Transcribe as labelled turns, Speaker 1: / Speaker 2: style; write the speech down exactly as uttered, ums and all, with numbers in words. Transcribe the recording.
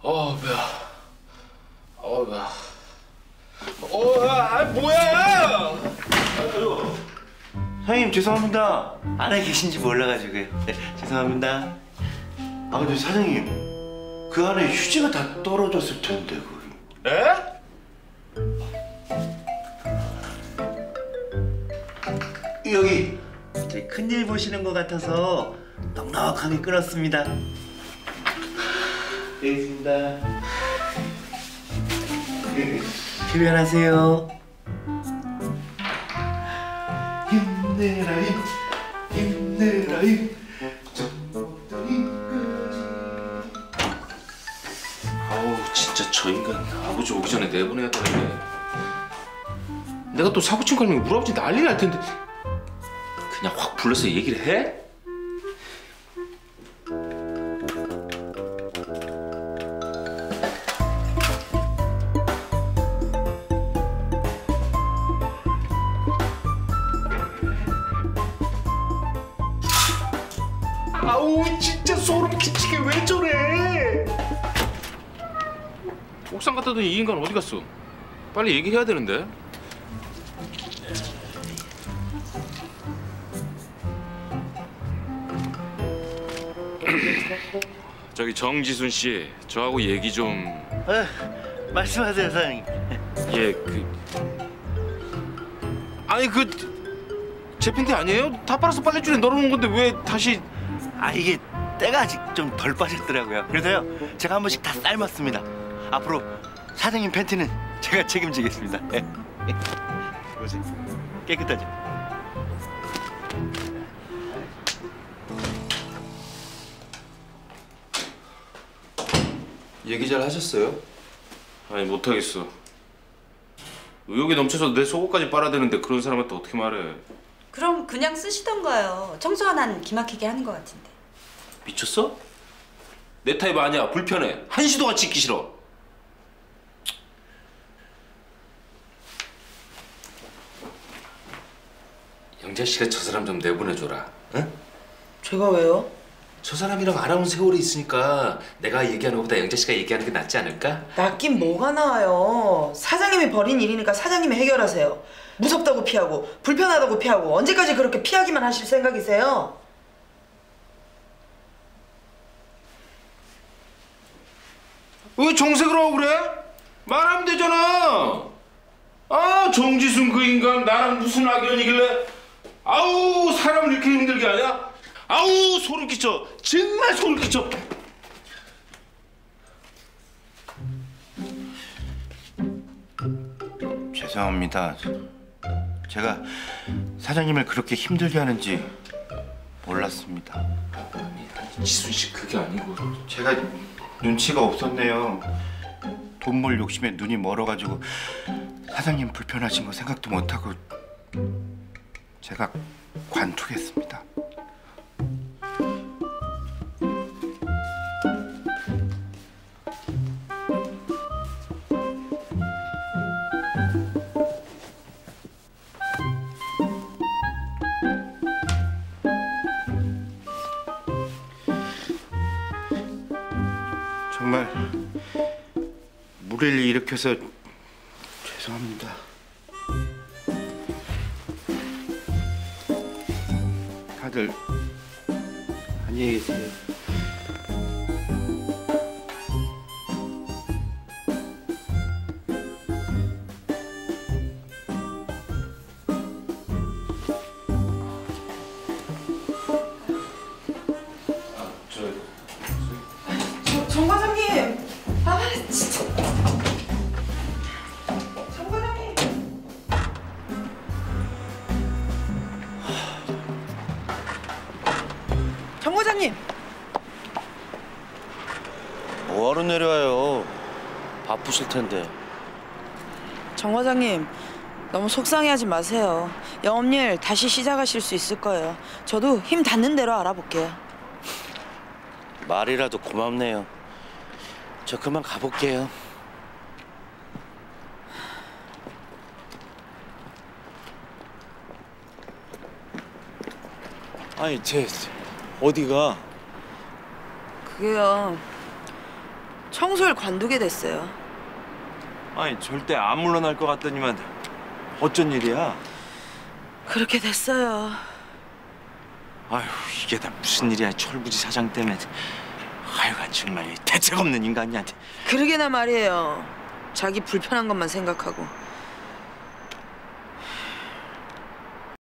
Speaker 1: 어 배야. 어 배야. 어, 아 뭐야?
Speaker 2: 아유, 사장님 죄송합니다. 안에 계신지 몰라가지고요. 네, 죄송합니다. 아 근데 사장님 그 안에 휴지가 다 떨어졌을 텐데 거기.
Speaker 1: 에?
Speaker 2: 여기 저희 큰일 보시는 것 같아서 넉넉하게 끓었습니다. 여기 있습니다. 흡연하세요. 힘내라 힘, 힘내라 힘.
Speaker 1: 아우 진짜 저 인간 아버지 오기 전에 내보내야 되는데. 내가 또 사고친 거 아니면 우리 아버지 난리 날 텐데. 그냥 확 불러서 얘기를 해? 아우 진짜 소름 끼치게 왜 저래? 옥상 갔다 더니 이 인간 어디 갔어? 빨리 얘기해야 되는데. 저기 정지순 씨, 저하고 얘기 좀.
Speaker 2: 아, 말씀하세요 사장님.
Speaker 1: 예, 그 아니 그 제 팬티 아니에요? 다 빨아서 빨래줄에 널어놓은 건데 왜 다시?
Speaker 2: 아 이게 때가 아직 좀 덜 빠졌더라고요. 그래서요 제가 한 번씩 다 삶았습니다. 앞으로 사장님 팬티는 제가 책임지겠습니다. 보세요, 깨끗하죠?
Speaker 3: 얘기 잘 하셨어요?
Speaker 1: 아니 못하겠어. 의욕이 넘쳐서 내 속옷까지 빨아대는데 그런 사람한테 어떻게 말해?
Speaker 4: 그럼 그냥 쓰시던가요. 청소 하나는 기막히게 하는 것 같은데.
Speaker 1: 미쳤어? 내 타입 아니야. 불편해. 한시도 같이 있기 싫어. 영자 씨가 저 사람 좀 내보내줘라. 응?
Speaker 5: 제가 왜요?
Speaker 1: 저 사람이랑 알아온 세월이 있으니까 내가 얘기하는 것보다 영자 씨가 얘기하는 게 낫지 않을까?
Speaker 5: 낫긴 뭐가 나아요. 사장님이 벌인 일이니까 사장님이 해결하세요. 무섭다고 피하고 불편하다고 피하고 언제까지 그렇게 피하기만 하실 생각이세요?
Speaker 1: 왜 정색을 하고 그래? 말하면 되잖아. 아 정지순 그 인간 나랑 무슨 악연이길래 아우 사람을 이렇게 힘들게 하냐? 아우 소름 끼쳐. 정말 소름 끼쳐.
Speaker 2: 죄송합니다. 제가 사장님을 그렇게 힘들게 하는지 몰랐습니다.
Speaker 1: 아니 지순 씨 그게 아니고
Speaker 2: 제가 눈치가 없었네요. 돈 벌 욕심에 눈이 멀어가지고 사장님 불편하신 거 생각도 못하고 제가 관투했습니다. 정말 무리를 일으켜서 죄송합니다. 다들 안녕히 계세요.
Speaker 5: 정 과장님! 아 진짜! 정 과장님! 정 과장님!
Speaker 6: 뭐하러 내려와요? 바쁘실 텐데.
Speaker 5: 정 과장님 너무 속상해하지 마세요. 영업일 다시 시작하실 수 있을 거예요. 저도 힘 닿는 대로 알아볼게요.
Speaker 6: 말이라도 고맙네요. 저 그만 가볼게요.
Speaker 7: 아니 쟤 어디가?
Speaker 5: 그게요. 청소를 관두게 됐어요.
Speaker 3: 아니 절대 안 물러날 것 같더니만 어쩐 일이야?
Speaker 5: 그렇게 됐어요.
Speaker 3: 아휴 이게 다 무슨 일이야 철부지 사장 때문에. 하여간 정말 대책 없는 인간이한테.
Speaker 5: 그러게나 말이에요. 자기 불편한 것만 생각하고.